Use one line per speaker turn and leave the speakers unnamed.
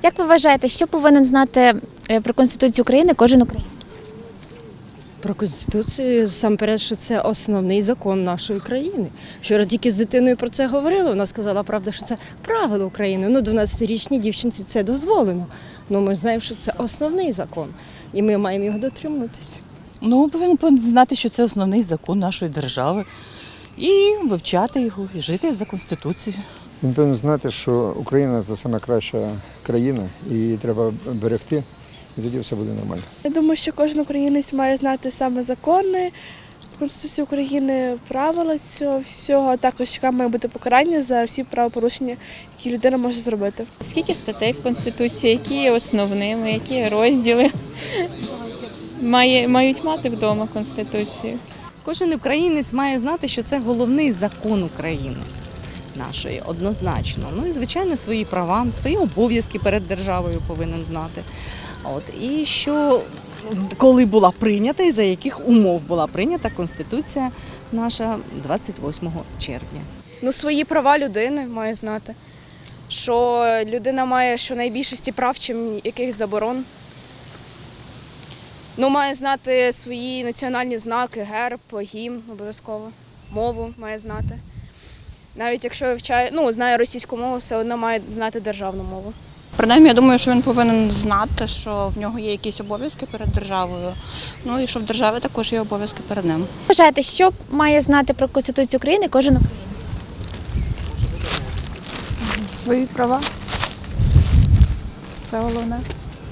Як ви вважаєте, що повинен знати про Конституцію України кожен українець?
Про Конституцію, насамперед, що це основний закон нашої країни. Вчора тільки з дитиною про це говорили, вона сказала, правда, що це правило України. 12-річній дівчинці це дозволено. Ну, ми знаємо, що це основний закон, і ми маємо його дотримуватися.
Ну, повинен знати, що це основний закон нашої держави. І вивчати його, і жити за Конституцією.
Він повинен знати, що Україна – це найкраща країна, і її треба берегти, і тоді все буде нормально.
Я думаю, що кожен українець має знати саме закони, Конституцію України, правила цього всього, а також яке має бути покарання за всі правопорушення, які людина може зробити.
Скільки статей в Конституції, які є основними, які є розділи мають мати вдома Конституцію.
Кожен українець має знати, що це головний закон України нашої, однозначно. Ну і, звичайно, свої права, свої обов'язки перед державою повинен знати. І що, коли була прийнята і за яких умов була прийнята Конституція наша 28 червня.
Ну, свої права людини має знати, що людина має щонайбільшості прав, чим якихось заборон. Ну, має знати свої національні знаки, герб, гімн обов'язково, мову має знати. Навіть якщо знає російську мову, все одно має знати державну мову.
Принаймні, я думаю, що він повинен знати, що в нього є якісь обов'язки перед державою, ну і що в держави також є обов'язки перед ним.
Вважаєте, що має знати про Конституцію України кожен українець?
Свої права. Це головне.